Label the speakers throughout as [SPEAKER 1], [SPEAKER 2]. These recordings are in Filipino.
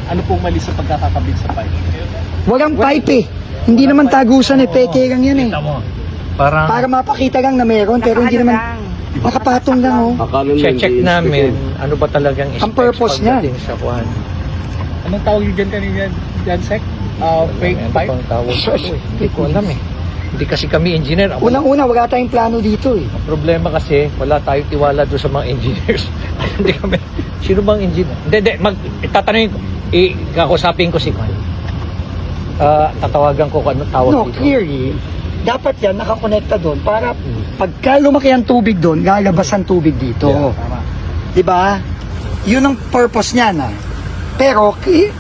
[SPEAKER 1] Ano pong mali sa pagkakakabit sa pipe?
[SPEAKER 2] Walang pipe eh. Hindi naman tagusan eh, peke lang yan eh.
[SPEAKER 1] Kita mo.
[SPEAKER 3] Parang
[SPEAKER 2] Para mapakita lang na meron, pero hindi naman nakapatong lang oh.
[SPEAKER 3] check namin ano ba talagang
[SPEAKER 2] Ang purpose
[SPEAKER 3] pagdating sa kuhan.
[SPEAKER 1] Anong tawag yun dyan kanina, Jansek? Fake
[SPEAKER 3] Ano
[SPEAKER 1] pipe?
[SPEAKER 3] bang tawag dito eh? Hindi ko alam eh. Hindi kasi kami engineer.
[SPEAKER 2] Unang-una, wala tayong plano dito eh.
[SPEAKER 3] Ang problema kasi, wala tayong tiwala doon sa mga engineers. Hindi kami, sino bang engineer? Hindi, tatanungin ko, kakusapin ko si Kwan. Tatawagan ko kung ano tawag
[SPEAKER 2] No,
[SPEAKER 3] dito.
[SPEAKER 2] clearly, dapat yan nakakonekta doon para pagka lumaki ang tubig doon, lalabas ang tubig dito.
[SPEAKER 1] Tama.
[SPEAKER 2] Diba? Yun ang purpose niya na. Pero,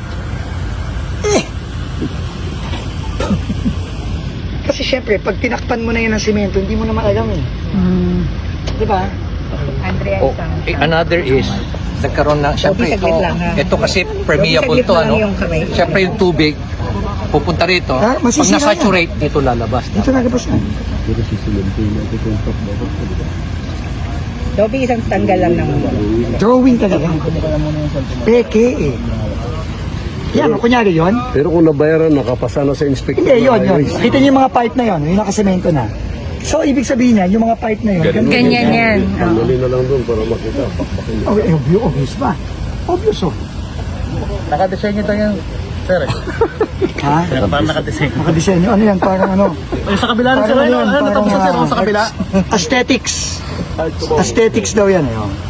[SPEAKER 2] kasi syempre, pag tinakpan mo na yan ng simento, hindi mo naman alam eh. Diba?
[SPEAKER 4] Andrea,
[SPEAKER 3] Oh, another is, nagkaroon na, syempre,
[SPEAKER 4] saglit lang, ha?
[SPEAKER 3] ito kasi permeable
[SPEAKER 4] saglit
[SPEAKER 3] to,
[SPEAKER 4] lang
[SPEAKER 3] ano?
[SPEAKER 4] yung kamay.
[SPEAKER 3] Syempre yung tubig, pupunta rito,
[SPEAKER 2] Ah,
[SPEAKER 3] pag
[SPEAKER 2] masisira
[SPEAKER 3] nasaturate, dito lalabas.
[SPEAKER 2] Dito lalabas na.
[SPEAKER 4] Dobby, isang tanggal lang ng
[SPEAKER 2] Drawing talaga. Peke eh. Yan, kunyari yun.
[SPEAKER 5] Pero kung nabayaran, nakapasa na sa inspector.
[SPEAKER 2] Hindi, yun. Kita niyo yung mga pipe na yun, yung nakasemento na. So, ibig sabihin niya, yung mga pipe na yun,
[SPEAKER 4] ganyan yan.
[SPEAKER 5] Tanggalin na lang doon para makita. Pakpakin na.
[SPEAKER 2] Oh, obvious ba? Obvious oh.
[SPEAKER 1] Nakadesign ito yan, sir.
[SPEAKER 2] Ha?
[SPEAKER 1] Parang nakadesign.
[SPEAKER 2] Nakadesenyo, ano yan, parang ano?
[SPEAKER 1] Ay, sa kabila rin, sir.
[SPEAKER 2] Parang
[SPEAKER 1] Ano,
[SPEAKER 2] yan,
[SPEAKER 1] natapos na, sir? Sa kabila?
[SPEAKER 2] Aesthetics. Aesthetics daw yan eh. Oh.